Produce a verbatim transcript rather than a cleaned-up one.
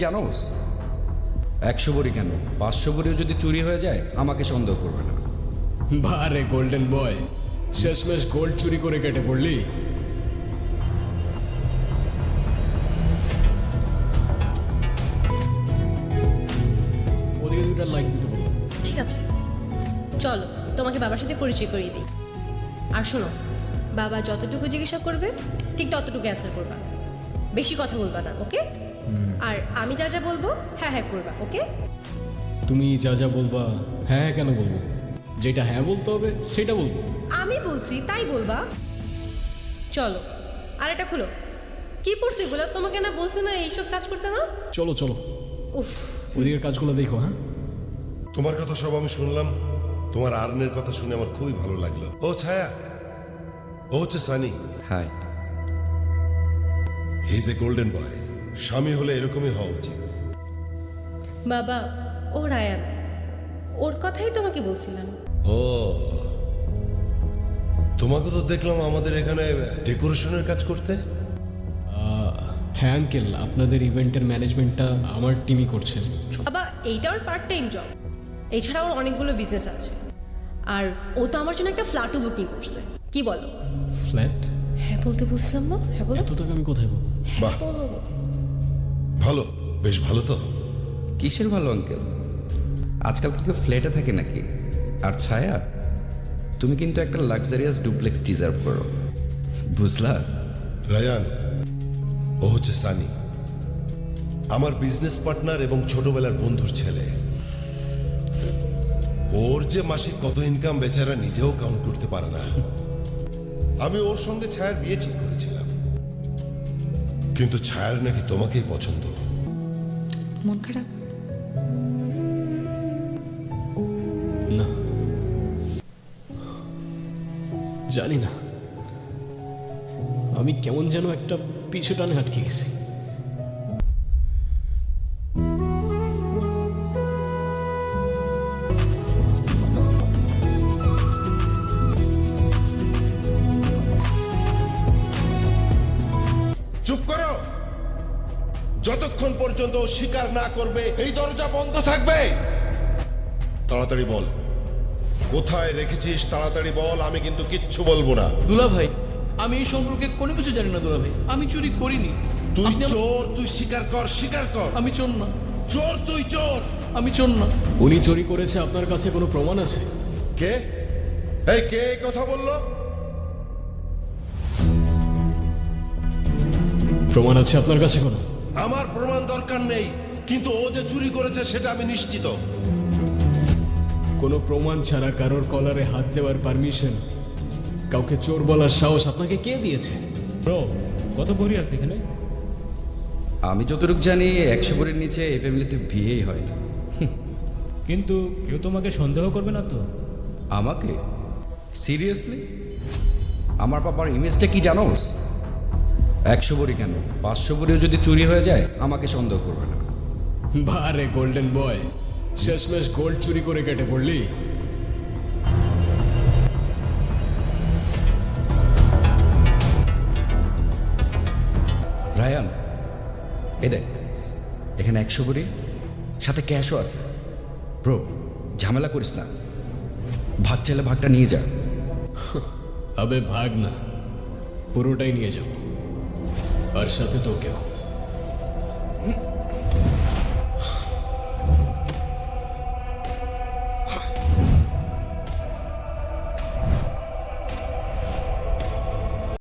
জানোস একশো বড়ি কেন পাঁচশো বড়িও যদি চুরি হয়ে যায় আমাকে সন্দেহ করবে না। বারে গোল্ডেন বয়, শেষমেশ গোল্ড চুরি করে কেটে পড়লি। ওদিকে দুইটা লাইক দিতে বলো। ঠিক আছে, চলো তোমাকে বাবার সাথে পরিচয় করিয়ে দিই। আর শোনো, বাবা যতটুকু জিজ্ঞাসা করবে ঠিক ততটুকু অ্যান্সার করবা, বেশি কথা বলবা না, ওকে? আর আমি যা যা বলবো হ্যাঁ হ্যাঁ করবা, ওকে? তুমি যা যা বলবা হ্যাঁ হ্যাঁ কেন বলবো? যেটা হ্যাঁ বলতে হবে সেটা বলবো। আমি বলছি তাই বলবা। চলো, আর এটা খুলো। কি পড়ছি এগুলো? তোমাকে না বলছি না এইসব কাজ করতে না? চলো চলো, উফ, ওদিকের কাজগুলো দেখো। হ্যাঁ, তোমার কথা সব আমি শুনলাম, তোমার আর্নের কথা শুনে আমার খুবই ভালো লাগলো। ও ছায়া, ও হচ্ছে Sunny. Hi. He is a golden boy. স্বামী হলে এরকমই হওয়া উচিত। বাবা ও রায়ান, ওর কথাই তোমাকে বলছিলাম। ও, তোমাকে তো দেখলাম আমাদের এখানে ডেকোরেশনের কাজ করতে। হ্যাঁ আঙ্কেল, আপনাদের ইভেন্টের ম্যানেজমেন্টটা আমার টিমই করছে। বাবা এইটা ওর পার্ট টাইম জব, এছাড়া ওর অনেকগুলো বিজনেস আছে। আর ও তো আমার জন্য একটা ফ্ল্যাটও বুকিং করছে। কি বলো? ফ্ল্যাট? হ্যাঁ বলতে বুঝলাম না। হ্যাঁ বলো। এত টাকা আমি কোথায় পাবো? বাহ, ভালো, বেশ ভালো তো। কিসের ভালো আঙ্কেল, আজকাল কি কেউ ফ্ল্যাটে থাকে নাকি? আর ছায়া, তুমি কিন্তু একটা লাক্সারিয়াস ডুপ্লেক্স ডিজার্ভ করো, বুঝলা? রায়ান, ও হচ্ছে সানি, আমার বিজনেস পার্টনার এবং ছোটবেলার বন্ধুর ছেলে। ওর যে মাসিক কত ইনকাম বেচারা নিজেও কাউন্ট করতে পারে না। আমি ওর সঙ্গে ছায়ার বিয়ে ঠিক করেছিলাম, কিন্তু ছায়ার নাকি তোমাকেই পছন্দ। মন খারাপ? না, জানি না, আমি কেমন যেন একটা পিছু টানে আটকে গেছি। চুপ করো, যতক্ষণ পর্যন্ত ও স্বীকার না করবে এই দরজা বন্ধ থাকবে। তাড়াতাড়ি বল, কোথায় রেখেছিস? তাড়াতাড়ি বল, আমি কিন্তু কিচ্ছু বলবো না। দুলা ভাই, আমি এই সম্পর্কে কোনো কিছু জানি না দুলা ভাই, আমি চুরি করিনি। তুই আপনি আমার- চোর, তুই স্বীকার কর, স্বীকার কর। আমি চোর না, চোর, তুই চোর। আমি চোর না। উনি চুরি করেছে, আপনার কাছে কোনো প্রমাণ আছে? কে? এই কে এই কথা বললো? প্রমাণ আছে আপনার কাছে কোনো? আমার প্রমাণ দরকার নেই, কিন্তু ও যে চুরি করেছে সেটা আমি নিশ্চিত। কোনো প্রমাণ ছাড়া কারোর কলারে হাত দেওয়ার পারমিশন, কাউকে চোর বলার সাহস আপনাকে কে দিয়েছে? ব্রো, কত ভরি আছে এখানে? আমি যতটুকু জানি একশো বড়ির নিচে এই ফ্যামিলিতে বিয়েই হয় না। কিন্তু কেউ তোমাকে সন্দেহ করবে না তো? আমাকে? সিরিয়াসলি? আমার বাবার ইমেজটা কি জানোস? একশো বড়ি কেন পাঁচশো বড়িও যদি চুরি হয়ে যায় আমাকে সন্দেহ করবে না। বারে গোল্ডেন বয়, শেষমেশ গোল্ড চুরি করে কেটে পড়লি। রায়ান, এ দেখ, এখানে একশো বড়ি সাথে ক্যাশও আছে। ব্রো, ঝামেলা করিস না, ভাগ চাইলে ভাগটা নিয়ে যা। আবে ভাগ না, পুরোটাই নিয়ে যাও, আর সাথে তোকেও।